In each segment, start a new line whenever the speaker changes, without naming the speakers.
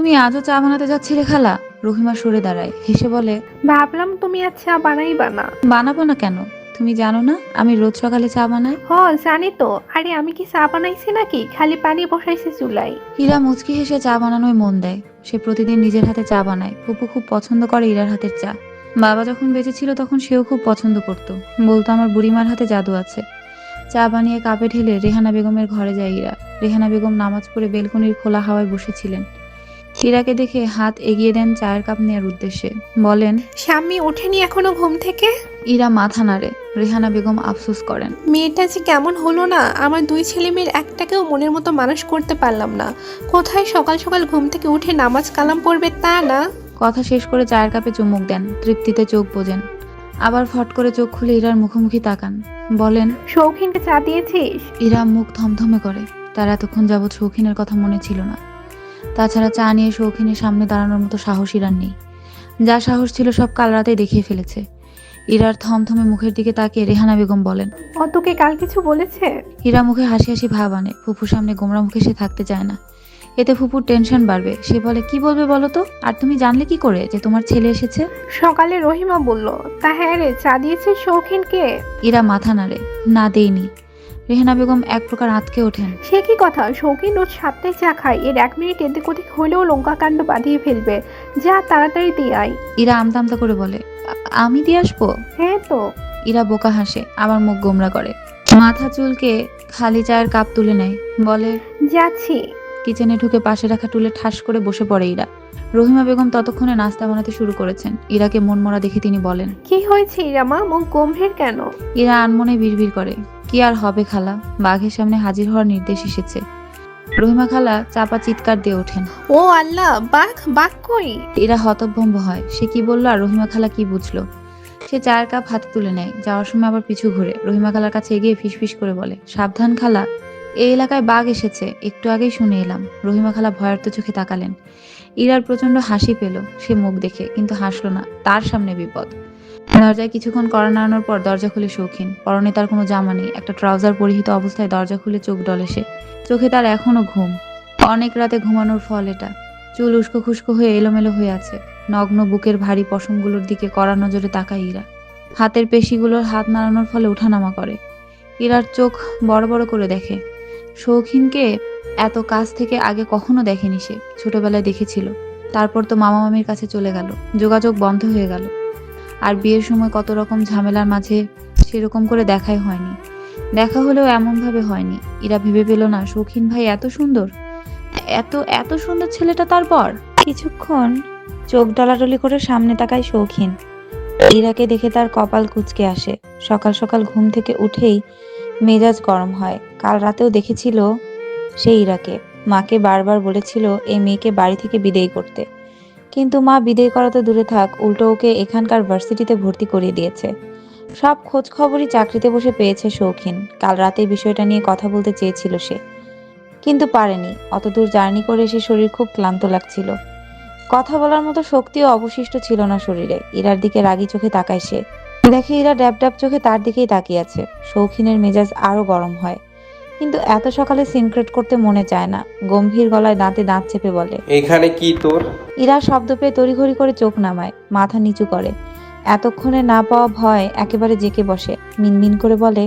তুমি আজও চা বানাতে যাচ্ছিলে খালা? রহিমা সরে দাঁড়ায়, হেসে বলে,
ভাবলাম তুমি আর চা বানাইবা না।
বানাবো না কেন? তুমি জানো না আমি রোজ সকালে চা বানাই?
হ, জানি তো। আরে আমি কি চা বানাইছি নাকি? খালি পানি বসাইছি চুলাই।
ইরা মুচকি হেসে চা বানানোয় মন দেয়। সে প্রতিদিন নিজের হাতে চা বানায়। ফুপু খুব পছন্দ করে ইরার হাতের চা। বাবা যখন বেঁচে ছিল তখন সেও খুব পছন্দ করত। বলতো আমার বুড়িমার হাতে জাদু আছে। চা বানিয়ে কাপে ঢেলে রেহানা বেগমের ঘরে যায় ইরা। রেহানা বেগম নামাজ পড়ে বেলকনির খোলা হাওয়ায় বসেছিলেন। ইরাকে দেখে হাত এগিয়ে দেন চায়ের কাপ নেওয়ার উদ্দেশ্যে। বলেন,
স্বামী ওঠেনি এখনো ঘুম থেকে?
ইরা মাথা নাড়ে। রেহানা বেগম আফসোস করেন।
মেয়েটা যে কেমন হলো না, আমার দুই ছেলে মেয়ের একটাকেও মনের মতো মানুষ করতে পারলাম না। কোথায় সকাল সকাল ঘুম থেকে উঠে নামাজ কালাম পড়বে তা না।
কথা শেষ করে চায়ের কাপে চুমুক দেন, তৃপ্তিতে চোখ বোজেন। আবার ফট করে চোখ খুলে ইরার মুখোমুখি তাকান। বলেন,
শৌখিনকে চা দিয়েছিস?
ইরা মুখ থমথমে করে। তার এতক্ষণ যাবৎ শৌখিনের কথা মনে ছিল না। তাছাড়া চা নিয়ে শৌখিনের সামনে দাঁড়ানোর মতো সাহস ইরার নেই। যা সাহস ছিল সব কাল রাতেই দেখিয়ে ফেলেছে। ইরার থমথমে মুখের দিকে তাকিয়ে রেহানা বেগম বলেন,
ও তোকে কাল কিছু বলেছে?
ইরা মুখে হাসি হাসি ভাব আনে। ফুপুর সামনে গোমরা মুখে সে থাকতে চায় না। এতে ফুপুর টেনশন বাড়বে। সে বলে, কি বলবে বলো তো? আর তুমি জানলে কি করে যে তোমার ছেলে এসেছে?
সকালে রহিমা বলল। তা হ্যাঁ রে, চা দিয়েছিস শৌখিনকে?
ইরা মাথা নাড়ে, না দেইনি। রেহানা বেগম এক প্রকার আঁতকে ওঠেন।
সে কি কথা? শৌখিন রোজ 7টায় চা খায়, এর 1 মিনিট এদিক ওদিক হলেও লঙ্কা কাণ্ড বাঁধিয়ে ফেলবে। যা তাড়াতাড়ি দিয়ে আয়।
ইরা আমতা আমতা করে বলে, আমি দিয়ে আসবো?
হ্যাঁ তো।
ইরা বোকা হাসে, আবার মুখ গোমরা করে। মাথা চুলকে খালি চায়ের কাপ তুলে নেয়। বলে,
যাচ্ছি।
কিচেনে ঢুকে পাশে রাখা টুলে ঠাস করে বসে পড়ে ইরা। রহিমা বেগম ততক্ষণে নাস্তা বানাতে শুরু করেছেন। ইরাকে মনমরা দেখে তিনি বলেন,
কি হয়েছে ইরামা, মুখ গম্ভীর কেন?
ইরা আনমনে বিড়বিড় করে, কি আর হবে খালা, বাঘের সামনে হাজির হওয়ার নির্দেশ এসেছে। রহিমা খালা চাপা চিৎকার দিয়ে ওঠেন।
ও আল্লাহ, বাঘ? বাঘ কই?
ইরা হতভম্ব হয়। সে কি বললো আর রহিমা খালা কি বুঝলো? সে চায়ের কাপ হাতে তুলে নেয়। যাওয়ার সময় আবার পিছু ঘুরে রহিমা খালার কাছে এগিয়ে ফিসফিস করে বলে, সাবধান খালা, এই এলাকায় বাঘ এসেছে, একটু আগেই শুনে এলাম। রহিমা খালা ভয়ার্ত চোখে তাকালেন। ইরার প্রচন্ড হাসি পেল সে মুখ দেখে, কিন্তু হাসলো না। তার সামনে বিপদ। দরজায় কিছুক্ষণ কড়া নাড়ানোর পর দরজা খুলে শৌখিন। পরনে তার কোনো জামা নেই, একটা ট্রাউজার পরিহিত অবস্থায় দরজা খুলে চোখ ডলে সে। চোখে তার এখনো ঘুম। অনেক রাতে ঘুমানোর ফল এটা। চুল উস্কো খুস্কো হয়ে এলোমেলো হয়ে আছে। নগ্ন বুকের ভারী পশমগুলোর দিকে কড়া নজরে তাকায় ইরা। হাতের পেশিগুলোর হাত নাড়ানোর ফলে ওঠানামা করে। ইরার চোখ বড় বড় করে দেখে। শৌখিনকে এত কাছ থেকে আগে কখনো দেখেনি সে। ছোটবেলায় দেখেছিল, তারপর তো মামা মামির কাছে চলে গেল, যোগাযোগ বন্ধ হয়ে গেল। আর বিয়ের সময় কত রকম ঝামেলার মাঝে সেরকম করে দেখাই হয়নি। দেখা হলেও এমন ভাবে হয়নি। ইরা ভেবে পেল না শৌখিন ভাই এত সুন্দর, এত এত সুন্দর ছেলেটা তার পর। কিছুক্ষণ চোখ ডলাডলি করে সামনে তাকায় শৌখিন। ইরাকে দেখে তার কপাল কুঁচকে আসে। সকাল সকাল ঘুম থেকে উঠেই মেজাজ গরম হয়। কাল রাতেও দেখেছিল সে ইরাকে। মাকে বারবার বলেছিল এই মেয়েকে বাড়ি থেকে বিদেয় করতে, কিন্তু মা বিদেয় করা তো দূরে থাক, উল্টো ওকে এখানকার ভার্সিটিতে ভর্তি করিয়ে দিয়েছে। সব খোঁজ খবরই চাকরিতে বসে পেয়েছে শৌখিন। কাল রাতে বিষয়টা নিয়ে কথা বলতে চেয়েছিল সে, কিন্তু পারেনি। অতদূর জার্নি করে এসে শরীর খুব ক্লান্ত লাগছিল। কথা বলার মতো শক্তিও অবশিষ্ট ছিল না শরীরে। ইরার দিকে রাগী চোখে তাকায় সে। দেখে ইরা ড্যাব ড্যাব চোখে তার দিকেই তাকিয়ে আছে। শৌখিনের মেজাজ আরো গরম হয়, কিন্তু এত সকালে সিনক্রেট করতে মনে চায় না। গম্ভীর গলায় দাঁতে দাঁত চেপে বলে,
এখানে কি তোর?
ইরা শব্দ পেয়ে তড়িঘড়ি করে চোখ নামায়, মাথা নিচু করে। এতক্ষণে না পাওয়া ভয় একেবারে জেঁকে বসে। মিনমিন করে বলে,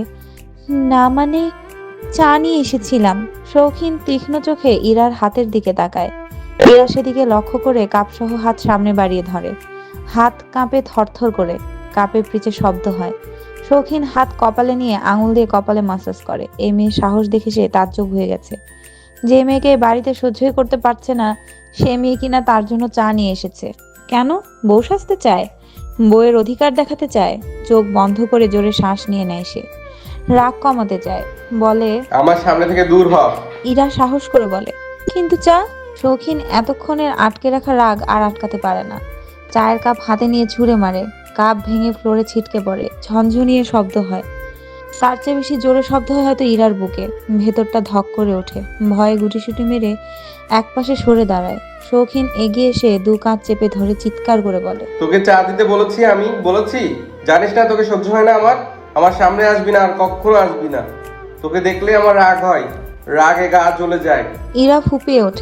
না মানে, চা নিয়ে এসেছিলাম। শৌখিন তীক্ষ্ণ চোখে ইরার হাতের দিকে তাকায়। ইরা সেদিকে লক্ষ্য করে কাপসহ হাত সামনে বাড়িয়ে ধরে। হাত কাঁপে থরথর করে। কাপের পিচে শব্দ হয়। শৌখিন হাত কপালে নিয়ে আঙুল দিয়ে কপালে মাসাজ করে। এই মেয়ের সাহস দেখে সে তাজ্জব হয়ে গেছে। যে মেয়েকে বাড়িতে সহ্যই করতে পারছে না, সে মেয়ে কিনা তার জন্য চা নিয়ে এসেছে। কেন? বউ সাজতে চায়? বউয়ের অধিকার দেখাতে চায়? চোখ বন্ধ করে জোরে শ্বাস নিয়ে নেয় সে। রাগ কমাতে চায়। বলে,
আমার সামনে থেকে দূর হ।
ইরা সাহস করে বলে, কিন্তু চা। শৌখিন এতক্ষণের আটকে রাখা রাগ আর আটকাতে পারে না। চায়ের কাপ হাতে নিয়ে ছুঁড়ে মারে। কাপ ভেঙে ফ্লোরে ছিটকে পড়ে। ঝনঝনিয়ে শব্দ হয়। তার চেয়ে বেশি জোরে শব্দ হয় হয়তো ইরার বুকে। ভেতরটা ধক করে ওঠে। ভয়ে গুটিসুটি মেরে একপাশে সরে দাঁড়ায়। শৌখিন এগিয়ে এসে দু কাঁধ চেপে ধরে চিৎকার করে বলে,
তোকে চা দিতে বলেছি, আমি বলেছি? জানিস না তোকে সহ্য হয় না আমার? আমার সামনে আসবি না, আর কখনো আসবি না। তোকে দেখলে আমার রাগ হয়, রাগে গা জ্বলে যায়।
ইরা ফুপিয়ে ওঠে।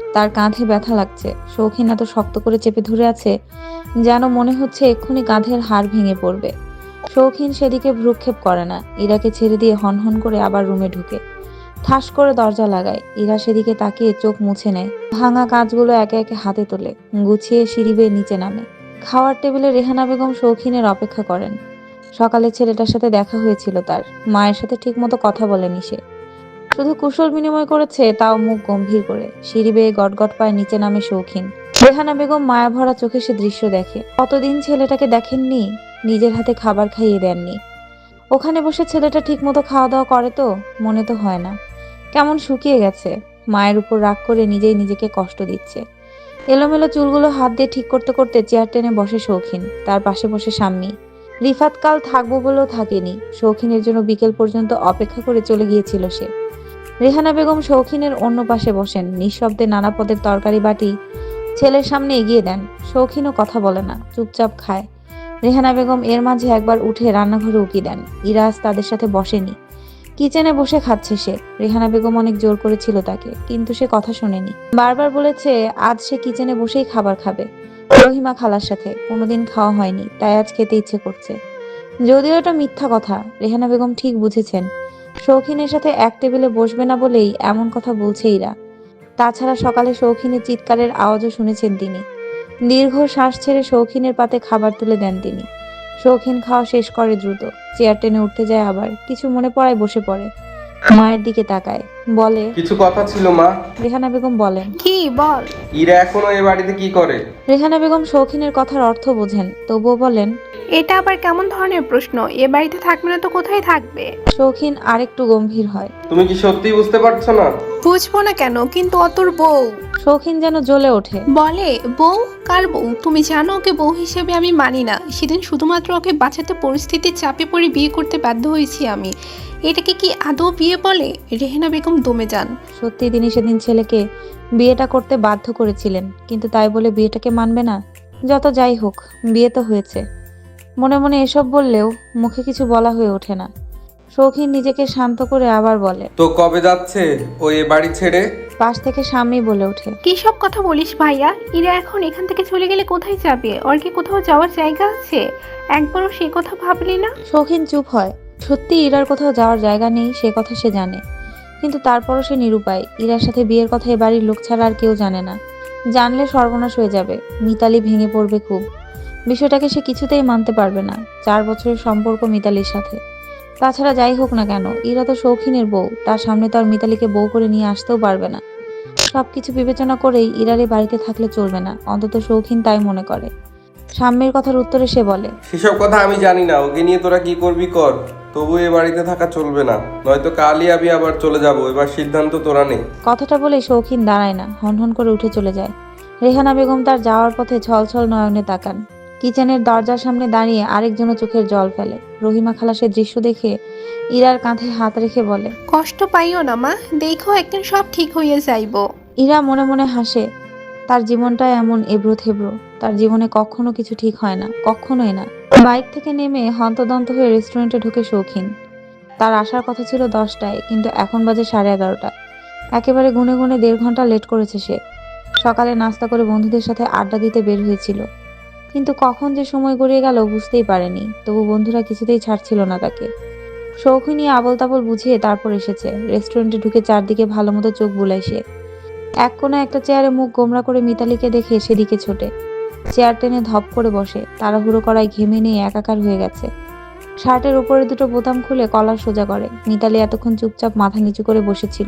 তার কাঁধে ব্যথা লাগছে। শৌখিন এত শক্ত করে চেপে ধরে আছে যেন মনে হচ্ছে এক্ষুনি কাঁধের হাড় ভেঙে পড়বে। শৌখিন সেদিকে ভ্রুক্ষেপ করে না, ইরাকে ছেড়ে দিয়ে হনহন করে আবার রুমে ঢুকে ঠাস করে দরজা লাগায়। ইরা সেদিকে তাকিয়ে চোখ মুছে নেয়। ভাঙা কাঁচগুলো একে একে হাতে তোলে, গুছিয়ে সিঁড়ি বেয়ে নিচে নামে। খাওয়ার টেবিলে রেহানা বেগম শৌখিনের অপেক্ষা করেন। সকালে ছেলেটার সাথে দেখা হয়েছিল তার, মায়ের সাথে ঠিকমতো কথা বলেনি সে, শুধু কুশল বিনিময় করেছে, তাও মুখ গম্ভীর করে। সিঁড়ি বেয়ে গটগট পায়ে নিচে নামে শৌখিন। রেহানা বেগম মায়া ভরা চোখে সে দৃশ্য দেখে। কতদিন ছেলেটাকে দেখেননি, নিজের হাতে খাবার খাইয়ে দেননি। ওখানে বসে ছেলেটা ঠিকমতো খাওয়া দাওয়া করে তো? মনে তো হয় না, কেমন শুকিয়ে গেছে। মায়ের উপর রাগ করে নিজেই নিজেকে কষ্ট দিচ্ছে। এলোমেলো চুলগুলো হাত দিয়ে ঠিক করতে করতে চেয়ার টেনে বসে শৌখিন। তার পাশে বসে শাম্মী। রিফাত কাল থাকবো বলেও থাকেনি, শৌখিনের জন্য বিকেল পর্যন্ত অপেক্ষা করে চলে গিয়েছিল সে। রেহানা বেগম শৌখিনের অন্য পাশে বসেন, নিঃশব্দে নানা পদের তরকারি বাটি ছেলের সামনে এগিয়ে দেন। শৌখিনও কথা বলে না, চুপচাপ খায়। রেহানা বেগম এর মাঝে একবার উঠে রান্নাঘরে উকি দেন। ইরাজ তাদের সাথে বসেনি, কিচেনে বসে খাচ্ছে সে। রেহানা বেগম অনেক জোর করেছিল তাকে, কিন্তু সে কথা শোনেনি। বারবার বলেছে আজ সে কিচেনে বসেই খাবার খাবে, রহিমা খালার সাথে। কোনোদিন খাওয়া হয়নি, তাই আজ খেতে ইচ্ছে করছে। যদিও এটা মিথ্যা কথা, রেহানা বেগম ঠিক বুঝেছেন শৌখিনের সাথে এক টেবিলে বসবে না বলেই এমন কথা বলছে ইরা। তাছাড়া সকালে শৌখিনের চিৎকারের আওয়াজও শুনেছেন তিনি। দীর্ঘ শ্বাস ছেড়ে শৌখিনের পাতে খাবার তুলে দেন তিনি। শৌখিন খাওয়া শেষ করে দ্রুত, চেয়ার টেনে উঠতে যায়, আবার কিছু মনে পড়ায় বসে পড়ে। মায়ের দিকে তাকায়, বলে,
কিছু কথা ছিল মা।
রেহানা বেগম বলেন,
কি বল?
ইরা এখনো এ বাড়িতে কি করে?
রেহানা বেগম শৌখিনের কথার অর্থ বোঝেন, তবুও বলেন,
এটা আবার কেমন ধরনের প্রশ্ন? এ বাড়িতে থাকবে না তো কোথায় থাকবে?
শৌখিন আরেকটু গম্ভীর হয়।
তুমি কি সত্যিই বুঝতে পারছো না?
বুঝবো না কেন? কিন্তু অতর বউ।
শৌখিন যেন জ্বলে ওঠে।
বলে বউ? কার বউ? তুমি জানো ওকে বউ হিসেবে আমি মানি না। সেদিন শুধুমাত্র ওকে বাঁচাতে পরিস্থিতির চাপে পড়ে বিয়ে করতে বাধ্য হয়েছি আমি। এটাকে কি আদৌ বিয়ে বলে? রেহানা বেগম দমে যান।
সত্যি তিনি সেদিন ছেলেকে বিয়েটা করতে বাধ্য করেছিলেন, কিন্তু তাই বলে বিয়েটাকে মানবে না? যত যাই হোক, বিয়ে তো হয়েছে। মনে মনে এসব বললেও মুখে কিছু বলা হয়ে ওঠে না। শৌখিন নিজেকে শান্ত করে আবার বলে,
তো কবে যাচ্ছে ও এ বাড়ি ছেড়ে?
পাশ থেকে স্বামী বলে ওঠে,
কি সব কথা বলিস ভাইয়া? ইরা এখন এখান থেকে চলে গেলে কোথায় যাবে? ওর কি কোথাও যাওয়ার জায়গা আছে? একবারও সে কথা ভাবলি না?
শৌখিন চুপ হয়। সত্যি ইরার কোথাও যাওয়ার জায়গা নেই, সে কথা সে জানে, কিন্তু তারপরও সে নিরুপায়। ইরার সাথে বিয়ের কথা এ বাড়ির লোক ছাড়া আর কেউ জানে না। জানলে সর্বনাশ হয়ে যাবে, মিতালি ভেঙে পড়বে খুব। বিষয়টাকে সে কিছুতেই মানতে পারবে না। 4 বছরের সম্পর্ক মিতালির সাথে। তাছাড়া যাই হোক না কেন, ইরা তো শৌখিনের বউ, তার সামনে তো আর মিতালিকে বউ করে নিয়ে আসতেও পারবে না। সবকিছু বিবেচনা করেই ইরার এই বাড়িতে থাকলে চলবে না, অন্তত শৌখিন তাই মনে করে। সাম্যের কথার উত্তরে সে বলে,
সেসব কথা আমি জানি না, ওকে নিয়ে তোরা কি করবি কর, তবু এ বাড়িতে থাকা চলবে না, নয়তো কালই আমি আবার চলে যাব। এবার সিদ্ধান্ত তোরা নে।
কথাটা বলে শৌখিন দাঁড়ায় না, হনহন করে উঠে চলে যায়। রেহানা বেগম তার যাওয়ার পথে ছলছল নয়নে তাকান। কিচেনের দরজার সামনে দাঁড়িয়ে আরেকজনও চোখের জল ফেলে। রহিমা খালা সে দৃশ্য দেখে ইরার কাঁধে হাত রেখে বলে,
কষ্ট পাইও না মা, দেখো একদিন সব ঠিক হয়ে যাইব।
ইরা মনে মনে হাসে। তার জীবনটা এমন এবড়ো থেবড়ো, তার জীবনে কখনো কিছু ঠিক হয় না, কখনোই না। বাইক থেকে নেমে হন্তদন্ত হয়ে রেস্টুরেন্টে ঢুকে শৌখিন। তার আসার কথা ছিল 10টায়, কিন্তু এখন বাজে 11:30। একেবারে গুনে গুনে 1.5 ঘন্টা লেট করেছে সে। সকালে নাস্তা করে বন্ধুদের সাথে আড্ডা দিতে বের হয়েছিল, কিন্তু কখন যে সময় গড়িয়ে গেল বুঝতেই পারেনি। তবু বন্ধুরা কিছুতেই ছাড়ছিল না তাকে। শৌখিনী আবল তাবল বুঝিয়ে তারপর এসেছে। রেস্টুরেন্টে ঢুকে চারদিকে ভালো মতো চোখ বুলায় সে। এক কোণে একটা চেয়ারে মুখ গোমরা করে মিতালিকে দেখে সেদিকে ছোটে। চেয়ার টেনে ধপ করে বসে, তাড়াহুড়ো করায় ঘেমে নিয়ে একাকার হয়ে গেছে। শার্টের উপরে দুটো বোতাম খুলে কলার সোজা করে। মিতালি এতক্ষণ চুপচাপ মাথা নিচু করে বসেছিল।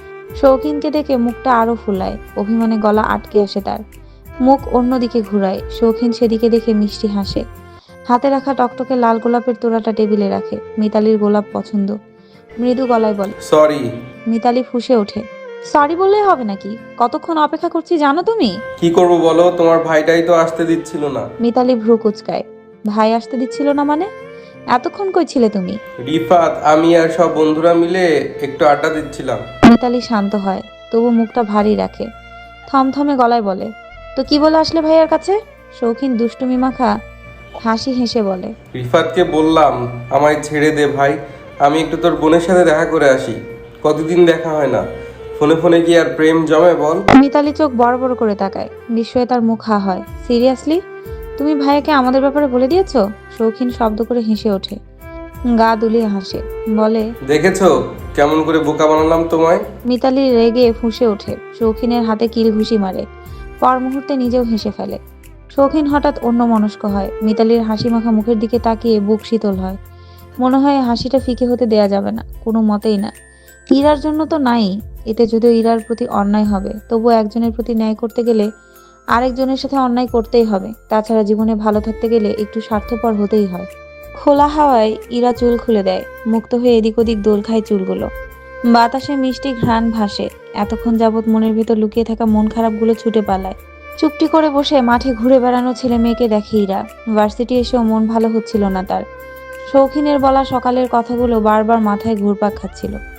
শৌখিনকে দেখে মুখটা আরো ফুলায়, অভিমানে গলা আটকে আসে তার। মুখ অন্যদিকে ঘুরায়। শৌখিন সেদিকে দেখে মিষ্টি হাসে। হাতে রাখা টকটকে লাল গোলাপের তোড়াটা টেবিলে রাখে। মিতালির গোলাপ পছন্দ। মৃদু গলায় বলে,
সরি।
মিতালি ফুঁসে ওঠে, সরি বললেই হবে নাকি? কতক্ষণ অপেক্ষা করছি জানো তুমি?
কি করব বলো, তোমার ভাইটাই তো আসতে দিচ্ছিল না।
মিতালি ভ্রু কুচকায়। ভাই আসতে দিচ্ছিল না মানে? এতক্ষণ কই ছিলে তুমি?
রিফাত, আমি আর সব বন্ধুরা মিলে একটু আড্ডা দিচ্ছিলাম।
মিতালি শান্ত হয়, তবু মুখটা ভারী রাখে। থমথমে গলায় বলে, তো কি বলে আসলে ভাইয়ার কাছে? শৌখিন দুষ্টুমি মাখা হাসি হেসে বলে,
রিফাতকে বললাম আমায় ছেড়ে দে ভাই, আমি একটু তোর বোনের সাথে দেখা করে আসি, কতদিন দেখা হয় না। ফোনে ফোনে কি আর প্রেম জমে বল?
মিতালি চোখ বড় বড় করে তাকায়। বিস্ময়ে তার মুখ হা হয়। সিরিয়াসলি? তুমি ভাইয়াকে আমাদের ব্যাপারে বলে দিয়েছো? শৌখিন শব্দ করে হেসে ওঠে, গা দুলিয়ে হাসে, বলে,
দেখেছো কেমন করে বোকা বানালাম তোমায়?
মিতালি রেগে ফুঁসে ওঠে, শৌখিনের হাতে কিল ঘুষি মারে। পর মুহূর্তে নিজেও হেসে ফেলে। শৌখিন হঠাৎ অন্যমনস্ক হয়। মিতালির হাসি মাখা মুখের দিকে তাকিয়ে বুক শীতল হয়। মনে হয় হাসিটা ফিকে হতে দেয়া যাবে না, কোনো মতেই না। ইরার জন্য তো নাই, এতে যদিও ইরার প্রতি অন্যায় হবে, তবুও একজনের প্রতি ন্যায় করতে গেলে আরেকজনের সাথে অন্যায় করতেই হবে। তাছাড়া জীবনে ভালো থাকতে গেলে একটু স্বার্থপর হতেই হয়। খোলা হাওয়ায় ইরা চুল খুলে দেয়, মুক্ত হয়ে এদিক ওদিক দোল খায় চুলগুলো। বাতাসে মিষ্টি ঘ্রাণ ভাসে। এতক্ষণ যাবৎ মনের ভেতর লুকিয়ে থাকা মন খারাপগুলো ছুটে পালায়। চুপটি করে বসে মাঠে ঘুরে বেড়ানো ছেলে মেয়েকে দেখে ইরা। ভার্সিটি এসেও মন ভালো হচ্ছিল না তার। শৌখিনের বলা সকালের কথাগুলো বারবার মাথায় ঘুরপাক খাচ্ছিল।